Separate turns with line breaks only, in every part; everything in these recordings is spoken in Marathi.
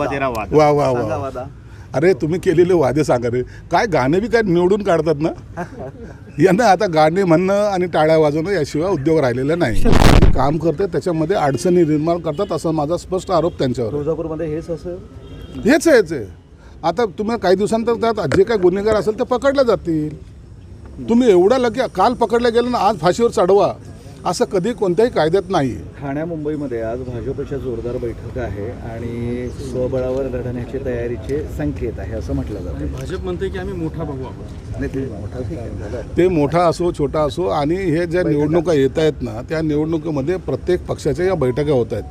वा वा वा. अरे तुम्ही केलेले वादे सांगा रे. काय गाणे बी काय निवडून काढतात ना. यांना आता गाणे म्हणणं आणि टाळ्या वाजवणं याशिवाय उद्योग राहिलेला नाही. काम करते त्याच्यामध्ये अडचणी निर्माण करतात असा माझा स्पष्ट आरोप त्यांच्यावर.
तुळजापूरमध्ये
हेच आहे. आता तुम्ही काही दिवसांतर त्यात जे काही गुन्हेगार असेल ते पकडले जातील. तुम्ही एवढा लगे काल पकडलं गेलं ना आज फाशीवर चढवा असं कधी कोणत्याही कायद्यात नाही.
ठाण्या मुंबईमध्ये आज भाजपच्या जोरदार बैठक आहे आणि स्वबळावर लढण्याची तयारीचे संकेत आहे असं म्हटलं जातं.
भाजप म्हणते की आम्ही मोठा भाऊ आहोत.
नाही, ते मोठा ठीक आहे.
ते मोठा असो छोटा असो आणि हे ज्या निवडणुका येत आहेत ना त्या निवडणुकीमध्ये प्रत्येक पक्षाच्या या बैठका होत आहेत.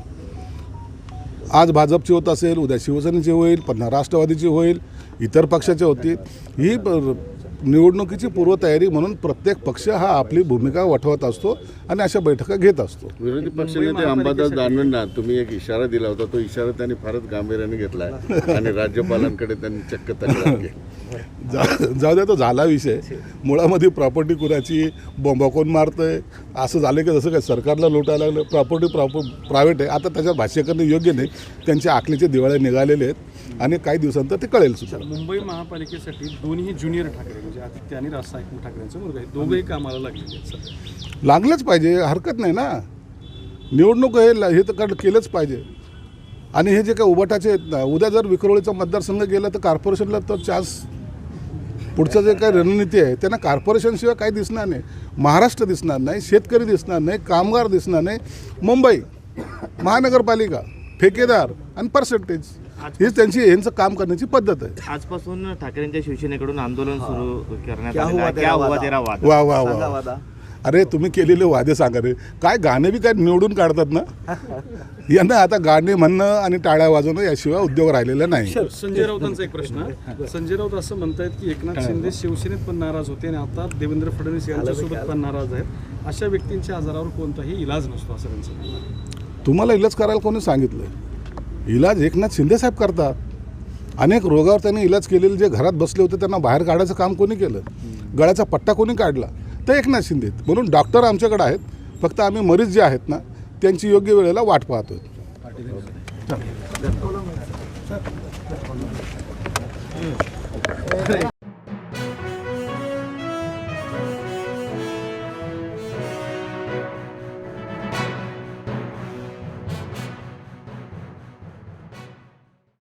आज भाजपची होत असेल, उद्या शिवसेनेची होईल, पुन्हा राष्ट्रवादीची होईल, इतर पक्षाची होतील. ही निवडणुकीची पूर्वतयारी म्हणून प्रत्येक पक्ष हा आपली भूमिका वठवत असतो आणि अशा बैठका घेत असतो.
विरोधी पक्षनेते अंबादास दानवेंना तुम्ही एक इशारा दिला होता, तो इशारा त्यांनी फारच गांभीर्याने घेतला आणि राज्यपालांकडे त्यांनी चक्क तक्रार केली.
जाऊ द्या, तो झाला विषय. मुळामध्ये प्रॉपर्टी कुणाची बॉम्बा कोण मारतंय असं झालं की जसं काय सरकारला लुटायला लागलं. प्रॉपर्टी प्रायव्हेट आहे. आता त्याच्यात भाष्य करणं योग्य नाही. त्यांच्या आखलीचे दिवाळे निघालेले आहेत आणि काही दिवसांतर ते कळेल सुद्धा.
मुंबई महापालिकेसाठी दोन्ही ज्युनियर ठाकरे म्हणजे आदित्य आणि राज साहेब ठाकरेंचा मुलगा आहे, दोघंही कामाला लागलेले आहेत.
लागलंच पाहिजे, हरकत नाही ना. निवडणूक हे तर केलंच पाहिजे. आणि हे जे काही उभाटाचे आहेत ना, उद्या जर विक्रोळीचा मतदारसंघ गेला तर कॉर्पोरेशनला तर चान्स पुढचं जे काही रणनीती आहे त्यांना कॉर्पोरेशनशिवाय काही दिसणार नाही. महाराष्ट्र दिसणार नाही, शेतकरी दिसणार नाही, कामगार दिसणार नाही. मुंबई महानगरपालिका, ठेकेदार आणि पर्सेंटेज हीच त्यांची यांचं काम करण्याची पद्धत आहे.
आजपासून ठाकरेंच्या शिवसेनेकडून आंदोलन सुरू करण्यात
क्या हुआ तेरा वादा?
वा वा वा. अरे तुम्ही केलेले वादे सांगा रे. काय गाणे बी काय निवडून काढतात ना. यांना आता गाणे म्हणणं आणि टाळ्या वाजवणं याशिवाय उद्योग राहिलेला नाही.
संजय राऊतांचा एक प्रश्न. संजय राऊत असं म्हणतायत की एकनाथ शिंदे शिवसेनेत पण नाराज होते आणि आता देवेंद्र फडणवीस यांच्यासोबत पण नाराज आहेत. अशा व्यक्तींच्या आजारावर कोणताही इलाज नसतो असं त्यांचं म्हणणं आहे.
तुम्हाला इलाज करायला कोणी सांगितलं? इलाज एकनाथ शिंदे साहेब करतात. अनेक रोगावर त्यांनी इलाज केलेले जे घरात बसले होते त्यांना बाहेर काढायचं काम कोणी केलं? गळ्याचा पट्टा कोणी काढला? तर एकनाथ शिंदे. म्हणून डॉक्टर आमच्याकडे आहेत. फक्त आम्ही मरीज जे आहेत ना त्यांची योग्य वेळेला वाट पाहतोय.